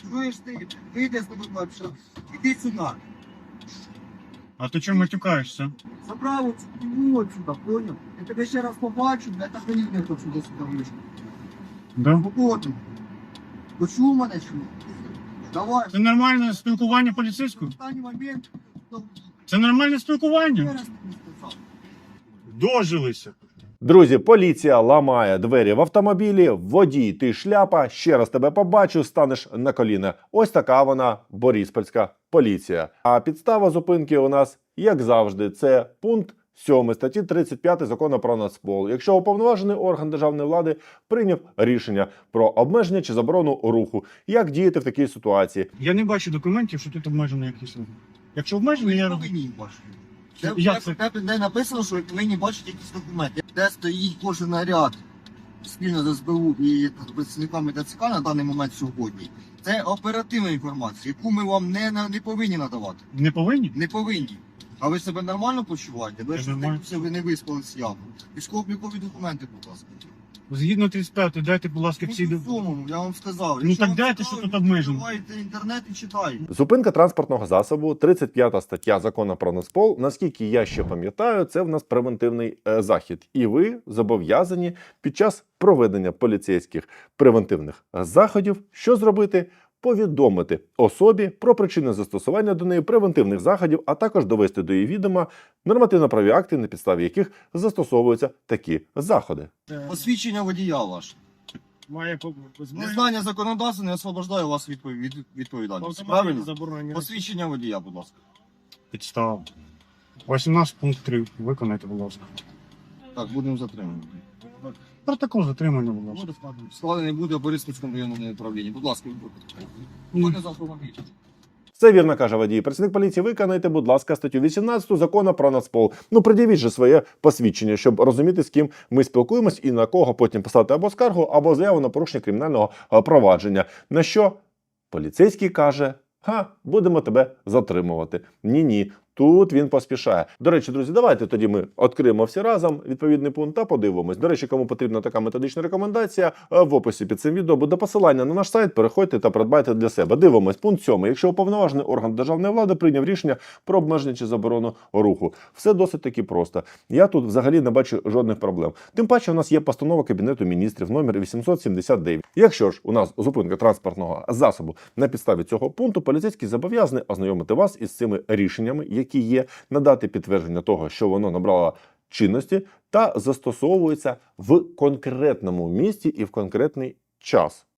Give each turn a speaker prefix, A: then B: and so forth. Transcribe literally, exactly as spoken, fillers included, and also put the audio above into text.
A: Чуєш ти? Вийди з тобою, що іди сюди.
B: А ти чому матюкаєшся?
A: Забрав оцю кіму отсюда, поняв? Я тебе ще раз побачу, я так і не хочу сюди сюди вийшов.
B: Да?
A: Походу. Почув мене чи ні? Давай.
B: Це нормальне спілкування поліцейського?
A: Останній момент.
B: Це нормальне
A: Ще
B: спілкування?
A: раз тобі сказав.
B: Дожилися.
C: Друзі, поліція ламає двері в автомобілі, водій, ти шляпа, ще раз тебе побачу, станеш на коліна. Ось така вона, боріспольська поліція. А підстава зупинки у нас, як завжди, це пункт сьомий статті тридцять п'ять Закону про Нацпол. Якщо уповноважений орган державної влади прийняв рішення про обмеження чи заборону руху, як діяти в такій ситуації?
B: Я не бачу документів, що тут обмежено якісь рухи. Якщо обмежено, я роблю.
A: повинні бачити. Де,
B: Як це?
A: де, де написано, що ви повинні бачити якісь документи. Де стоїть кожен наряд спільно з ес бе у і працівниками Т Ц К на даний момент сьогодні. Це оперативна інформація, яку ми вам не, на- не повинні надавати.
B: Не повинні?
A: Не повинні. А ви себе нормально почуваєте? Ви
B: Я
A: ж
B: нормально.
A: все, ви не виспались явно. Військово-облікові документи, будь ласка.
B: Згідно тридцять п'ятої, дайте, будь ласка, всі...
A: Ну, в цьому, я вам сказав.
B: Ну,
A: Якщо
B: так
A: вам
B: дайте,
A: цікаво,
B: що тут обмежено.
A: відкривайте інтернет і читайте.
C: Зупинка транспортного засобу, тридцять п'ята стаття Закону про Нацпол. Наскільки я ще пам'ятаю, це в нас превентивний е, захід. І ви зобов'язані під час проведення поліцейських превентивних заходів, що зробити? Повідомити особі про причини застосування до неї превентивних заходів, а також довести до її відома нормативно-правові акти, на підставі яких застосовуються такі заходи.
A: Посвідчення водія ваше.
B: Має по...
A: Незнання законодавства не освобождає вас від від відповідальності. Правильно?
B: Заборонення.
A: Посвідчення водія, будь ласка.
B: Підстава. вісімнадцять пункт три. Виконайте, будь ласка.
A: Так, будемо затримані.
B: Протокол затримання, будь ласка.
A: Складений буде у Бориспільському районному управлінні. Будь ласка, відповідайте. Буде за автомобіль.
C: Все вірно каже водій. Працівник поліції, виконайте, будь ласка, статтю вісімнадцяту Закону про Нацпол. Ну, пред'явіть же своє посвідчення, щоб розуміти, з ким ми спілкуємось і на кого потім писати або скаргу, або заяву на порушення кримінального е, провадження. На що поліцейський каже: га, будемо тебе затримувати. Ні-ні. Тут він поспішає. До речі, друзі, давайте тоді ми відкриємо всі разом відповідний пункт та подивимось. До речі, кому потрібна така методична рекомендація, в описі під цим відео буде посилання на наш сайт, переходьте та придбайте для себе. Дивимось, пункт сьомий. Якщо уповноважений орган державної влади прийняв рішення про обмеження чи заборону руху. Все досить таки просто. Я тут взагалі не бачу жодних проблем. Тим паче у нас є постанова Кабінету міністрів номер вісімсот сімдесят дев'ять. Якщо ж у нас зупинка транспортного засобу на підставі цього пункту, поліцейський зобов'язаний ознайомити вас із цими рішеннями, які є, надати підтвердження того, що воно набрало чинності та застосовується в конкретному місці і в конкретний час.